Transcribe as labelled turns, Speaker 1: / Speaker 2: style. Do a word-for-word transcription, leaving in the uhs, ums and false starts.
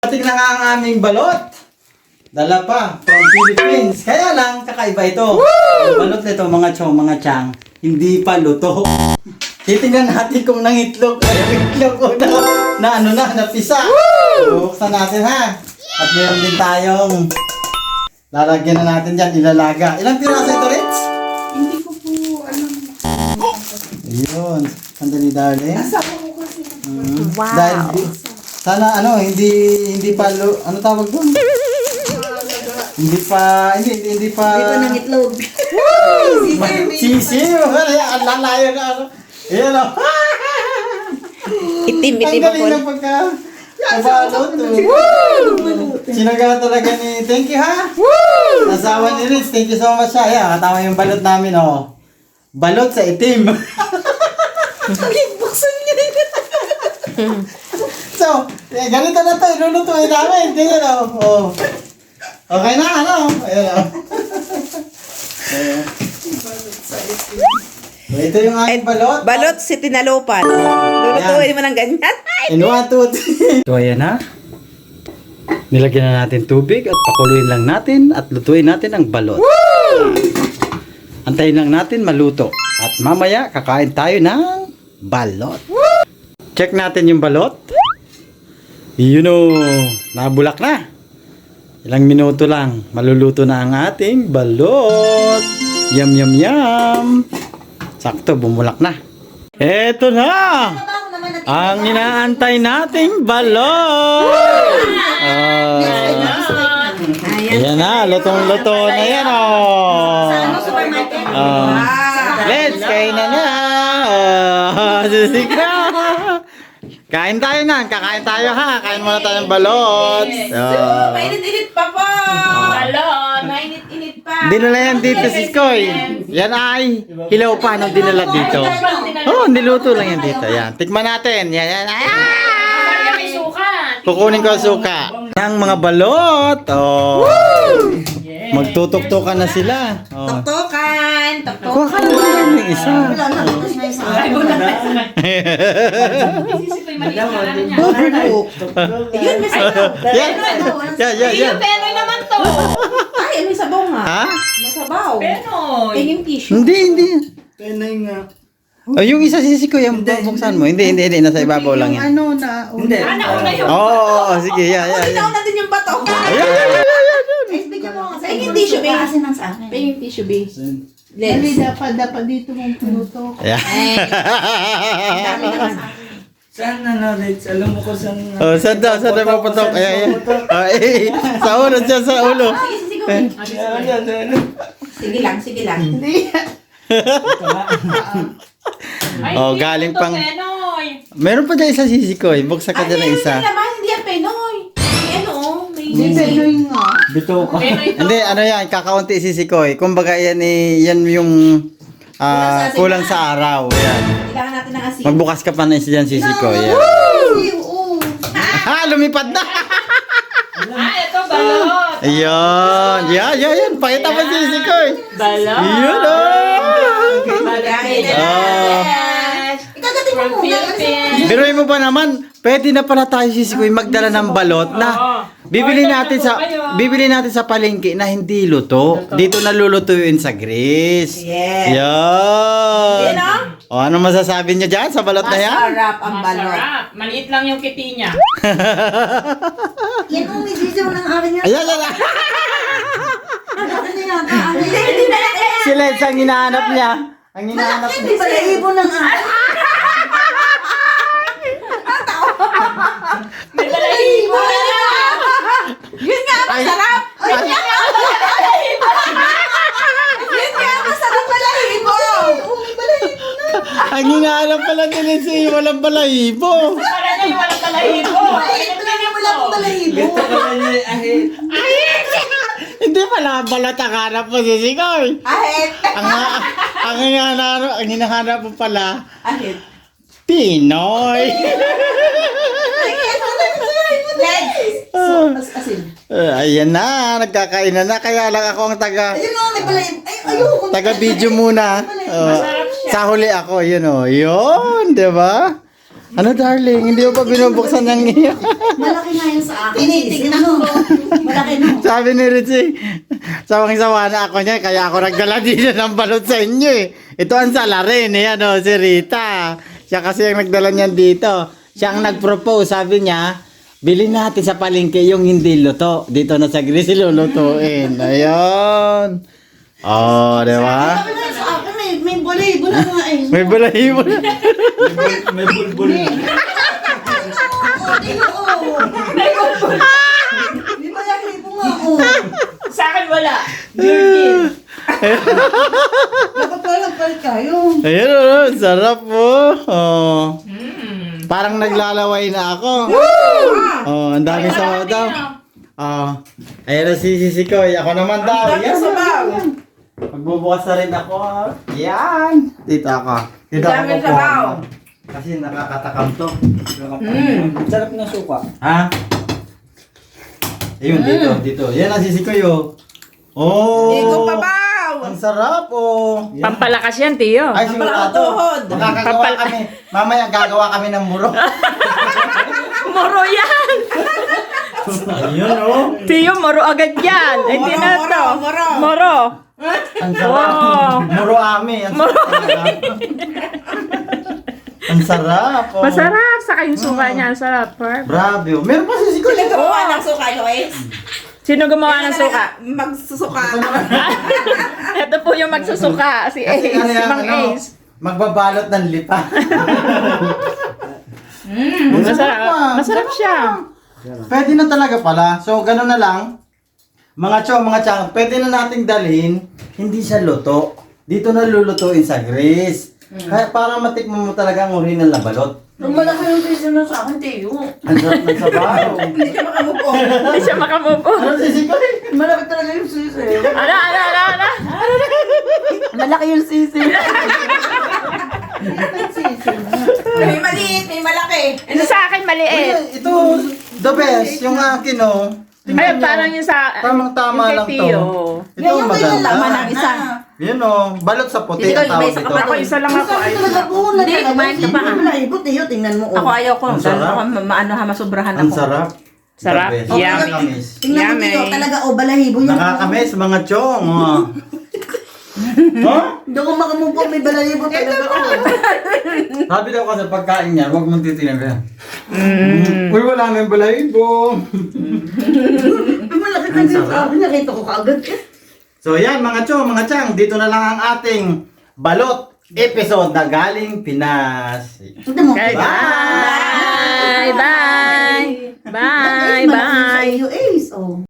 Speaker 1: Dating na nga ang aming balot. Dala pa from Philippines. Kaya lang, kakaiba ito. Ang balot nito, mga chong, mga chang, hindi pa luto. Titingnan natin kung nangitlog. Ay, itlog ko na, na ano na, napisa. Buksan natin ha. At meron din tayong lalagyan na natin dyan, ilalaga. Ilang piraso ito, Ritz?
Speaker 2: Hindi ko po alam.
Speaker 1: Ayun. Sandali, darling.
Speaker 2: Asawa ko kasi.
Speaker 1: Mm.
Speaker 3: Wow.
Speaker 1: Dahil, sana ano, hindi, hindi pa, lu- ano tawag doon? Hindi pa, hindi, hindi, hindi pa.
Speaker 2: Hindi pa nangitlog.
Speaker 1: Sisi, ang lalayo na ako. Ayan o.
Speaker 3: Itim,
Speaker 1: Ang
Speaker 3: itim
Speaker 1: galing
Speaker 3: ako.
Speaker 1: ng pagka, kabalot. Sinaga talaga ni, thank you ha. Asawa ni Riz, thank you so much ha. Ayan, katama yung balot namin o. Balot sa itim.
Speaker 2: Buksan niya.
Speaker 1: So, eh, ganito na to, ilulutuin namin. Ganyan o. Oh. Okay na, ano? Ayan o. So, ito yung aking balot.
Speaker 3: Balot si tinalupan. Lulutuin mo ng ganyan.
Speaker 1: In one, two, three. So, ayan na. Nilagyan na natin tubig at pakuluin lang natin at lutuin natin ang balot. Antayin lang natin maluto. At mamaya, kakain tayo ng balot. Check natin yung balot. Yun o, nabulak na. Ilang minuto lang, maluluto na ang ating balot. Yum, yum, yum. Sakto, bumulak na. Eto na! Ang inaantay nating balot! Ah, ayan na, lutong-luto na yan o. Oh. Let's kain na na. Oh, susik na. Kain tayo na, kakain tayo ha. Kain muna tayo ng balot. Oh.
Speaker 2: Mainit-init pa po. Balon. Mainit-init pa.
Speaker 1: Dinala yan dito si Skoy. Yan ay hilaw pa nung dinala dito. Oh, niluto lang yan dito. Yan, tikman natin. Yan, yan. Ah! Kukunin ko ang suka. Ang mga balot. Oh. Magtutok-tokan na sila. Oh.
Speaker 2: Tuktukan. Tuktukan.
Speaker 1: Kuha ka na lang yung isa.
Speaker 2: Wala na. Tapos na isa. Ay, wala na. Ayun, may sabaw.
Speaker 1: Yan. Yan, yan, yan.
Speaker 4: Penoy naman to.
Speaker 2: Ay, may sabaw nga.
Speaker 1: Ha?
Speaker 2: May sabaw.
Speaker 4: Penoy.
Speaker 2: Ay, yung tissue.
Speaker 1: Hindi, hindi. Penay nga. Oh, yung isa sisi ko, yung bubuksan mo. Hindi, hindi, hindi. Nasa ibabaw lang yan.
Speaker 2: Ano na? Hindi.
Speaker 4: Ah, nauna yung...
Speaker 1: Oo, oo, oo. Sige, yan, yan,
Speaker 2: Hindi
Speaker 1: yan.
Speaker 2: na natin yung bato.
Speaker 1: Ayan, yan, yan, yan, yan.
Speaker 2: Ay, bigyan mo nga. Ay, yung tissue, babe. Kasi nang sa akin. Ay, yung tissue, babe.
Speaker 5: Dali,
Speaker 2: Lens.
Speaker 5: dapat, dapat dito mong pinuto.
Speaker 1: Ayan.
Speaker 2: Ay. Ang dami naman sa akin.
Speaker 6: Saan na na, Rich? Alam mo ko saan na.
Speaker 1: Oh, saan daw? Saan daw maputok? Ayan, ayan. Oh, eh, sa ulo, dyan sa ulo.
Speaker 2: Sige, sige, sige.
Speaker 6: Ayan, ayan, ayan.
Speaker 2: Sige lang, sige lang.
Speaker 4: Ay,
Speaker 1: Oh,
Speaker 4: hindi
Speaker 1: galing
Speaker 4: to
Speaker 1: pang-
Speaker 4: Penoy.
Speaker 1: Meron pa dyan isa sisi ko. Buksan ka
Speaker 2: Ay,
Speaker 1: dyan ng
Speaker 2: hindi
Speaker 1: isa.
Speaker 2: naman, hindi yan Penoy. May ano, may...
Speaker 5: Hindi, Penoy nga.
Speaker 1: Bito ka.
Speaker 4: Penoy to.
Speaker 1: Hindi, ano yan, kakaunti sisi ko. Kumbaga yan eh, yan yung ah, kulang sa araw. Yan.
Speaker 2: Kailangan natin ng asin.
Speaker 1: Magbukas ka pa na isa dyan sisi ko. Yan.
Speaker 2: Oo.
Speaker 1: Ha, lumipad na.
Speaker 4: Ah, ito balot.
Speaker 1: Ayun. Yan, yan, yan. Pakita mo sisi ko.
Speaker 4: Balot.
Speaker 1: Yun oh.
Speaker 2: Lagay na
Speaker 1: Ah.
Speaker 2: natin. Ikagatin mo
Speaker 4: From
Speaker 2: muna.
Speaker 4: Philippines.
Speaker 1: Biruin mo ba naman, pwede na pala tayo sisi ko magdala ng balot na bibili natin sa bibili natin sa palengke na hindi luto. Dito nalulutuin sa grease.
Speaker 2: Yes.
Speaker 1: Yan.
Speaker 2: Yan o.
Speaker 1: O, ano masasabi niyo dyan sa balot na yan?
Speaker 2: Masarap ang balot.
Speaker 4: Masarap. Maliit lang yung kiti niya.
Speaker 2: Yan ang may video ng akin yan.
Speaker 1: Ayan, ayan.
Speaker 2: Ano na yan? Hindi, hindi na yan.
Speaker 1: Si Lens ang hinahanap niya. Ang hinahanap niya.
Speaker 2: Hindi pala ibon ng akin.
Speaker 4: May balahibo na na.
Speaker 2: Yun nga, masarap. Yun nga, Yun nga, masarap balahibo. Oo, may balahibo na.
Speaker 1: Ang hinahanap pala ni Lens eh, walang balahibo.
Speaker 4: Para na yung walang balahibo.
Speaker 2: Ay, talaga wala akong balahibo.
Speaker 6: Ito pala niya, ahit.
Speaker 1: Hindi pala balot ang hanap mo, sisikoy.
Speaker 2: Ahit.
Speaker 1: Ang, ang, hinahanap, ang hinahanap mo pala,
Speaker 2: Ahit.
Speaker 1: Pinoy.
Speaker 2: Ay, ano na ito? Legs. So, as- asin.
Speaker 1: Uh, ayan na, nagkakainan na. Kaya lang ako ang taga,
Speaker 2: Ayun nga, may balahibo. Ay, ayoko.
Speaker 1: taga video muna. Uh,
Speaker 4: Masarap siya.
Speaker 1: sa huli ako, yun o. Yun, di ba? Ano darling, hindi mo pa binubuksan ng iyo.
Speaker 2: Malaki nga yun sa akin. Tinitignan mo. Malaki no.
Speaker 1: Sabi ni Richie, sawang-sawa na ako niya, kaya ako nagdala dito ng balot sa inyo eh. Ito ang salarin eh, ano, si Rita. Siya kasi ang nagdala niyan dito. Siya ang nag-propose, sabi niya, bilhin natin sa palengke yung hindi luto. Dito na sa Greece, lulutuin. Ayun. Oh, di ba?
Speaker 2: Sabi nga sa akin, may, may bulahibo na nga eh.
Speaker 1: May balahibo na.
Speaker 6: May bulbul.
Speaker 2: Oo, di oo. May balahibo nga, oo.
Speaker 4: Sa akin wala. Virgin.
Speaker 2: Dapat pala nagpalit tayo.
Speaker 1: Ayun, oh, sarap po. Oh.
Speaker 4: Mm.
Speaker 1: Parang naglalaway na ako. Oh, ang dami sa daw. Oh. Ayun na si Sisi Koy. Ako naman daw. Yan. Magbubukas na rin ako. Yan. Dito ako. Dito ako
Speaker 3: Dami
Speaker 1: po.
Speaker 3: sabaw.
Speaker 1: Kasi nakakatakam to.
Speaker 6: Mm. Sarap ng suka.
Speaker 1: Ha? Ayun, dito, dito. Yan ang Sisi Koy, oh. Oh.
Speaker 3: Iko pabaw.
Speaker 1: Ang sarap, oh. Yan.
Speaker 4: Pampalakas yan, Tiyo.
Speaker 1: Ay, sigurado.
Speaker 3: Tuhod.
Speaker 1: Makakagawa
Speaker 4: Papal-
Speaker 1: kami. Mamaya gagawa kami ng muro.
Speaker 4: Moro yan!
Speaker 1: Ayun, oh.
Speaker 4: Tiyo, moro agad yan. Ay, di na
Speaker 3: Moro,
Speaker 4: to.
Speaker 3: moro.
Speaker 4: Moro.
Speaker 1: Ang sarap.
Speaker 4: Wow.
Speaker 1: Muro ami. Ang sarap. Ang sarap. Oh.
Speaker 4: Masarap. Saka yung suka niya, ang sarap. Par.
Speaker 1: Grabe. Oh. Meron pa si Siko.
Speaker 3: Sino gumawa ng suka, Lois?
Speaker 4: Sino gumawa ng suka?
Speaker 3: Magsusuka.
Speaker 4: Ito po yung magsusuka. Si
Speaker 1: Kasi
Speaker 4: Ace.
Speaker 1: ano
Speaker 4: Si
Speaker 1: yan,
Speaker 4: Mang
Speaker 1: ano,
Speaker 4: Ace.
Speaker 1: magbabalot ng lipa.
Speaker 4: Mm, masarap.
Speaker 1: ah.
Speaker 4: Masarap siya.
Speaker 1: Pwede na talaga pala. So, ganun na lang. Mga chow, mga chang, pwede na nating dalhin. Hindi siya luto. Dito na lulutuin sa Greece. Kaya para matikman mo talaga ang original na balot.
Speaker 2: Nung malaki yung sisi na sa akin, Teo.
Speaker 1: Ang sarap ng sabaw.
Speaker 2: Hindi ka makamove on.
Speaker 4: Hindi siya makamove on.
Speaker 1: Ano si Siko?
Speaker 2: Malaki talaga yung sisi.
Speaker 4: Ano, ano, ano, ano?
Speaker 2: Malaki yung sisi.
Speaker 3: May maliit, may malaki.
Speaker 4: Ito sa akin maliit.
Speaker 1: Uy, ito, the best. Yung akin, oh.
Speaker 4: Ay, parang yung sa...
Speaker 1: Tamang-tama
Speaker 4: yung
Speaker 1: lang
Speaker 4: kay
Speaker 1: to.
Speaker 4: Tio.
Speaker 1: Ito ang maganda.
Speaker 2: laman ng isa.
Speaker 1: Yan oh, balot sa puti
Speaker 3: Dito,
Speaker 1: ang tawag
Speaker 3: may isa
Speaker 1: dito.
Speaker 3: ka pa
Speaker 4: Ako, isa lang ako. Ay,
Speaker 2: Talaga po,
Speaker 3: Hindi, kumain ka pa, ah.
Speaker 2: Balahibo, Teo, tingnan mo.
Speaker 3: Ako ayaw ko.
Speaker 1: Ang
Speaker 3: Dahil
Speaker 1: sarap.
Speaker 3: ako ma- maano ha, masubrahan
Speaker 1: Ang
Speaker 3: ako.
Speaker 1: sarap.
Speaker 4: Sarap.
Speaker 1: The best.
Speaker 4: Yummy.
Speaker 1: Nakakamiss.
Speaker 2: Tingnan mo,
Speaker 4: Yummy.
Speaker 2: Teo, talaga, oh, balahibo yung...
Speaker 1: Nakakamiss, mga chong. Oh. Huh?
Speaker 2: Doon ko makamove on, may balahibo talaga. Oh.
Speaker 1: Sabi daw kasi pagkain niya, huwag mong titinagyan.
Speaker 4: Mm.
Speaker 1: Uy, wala nang balahibo.
Speaker 2: Ay, malaki talaga yung sa akin, nakita ko kaagad eh.
Speaker 1: So yan mga chong, mga chang, dito na lang ang ating balot episode na galing Pinas.
Speaker 2: Tignan mo.
Speaker 4: Okay, bye! Bye! Bye!
Speaker 2: Malaki yung
Speaker 4: Bye!
Speaker 2: sa iyo, Ace, oh.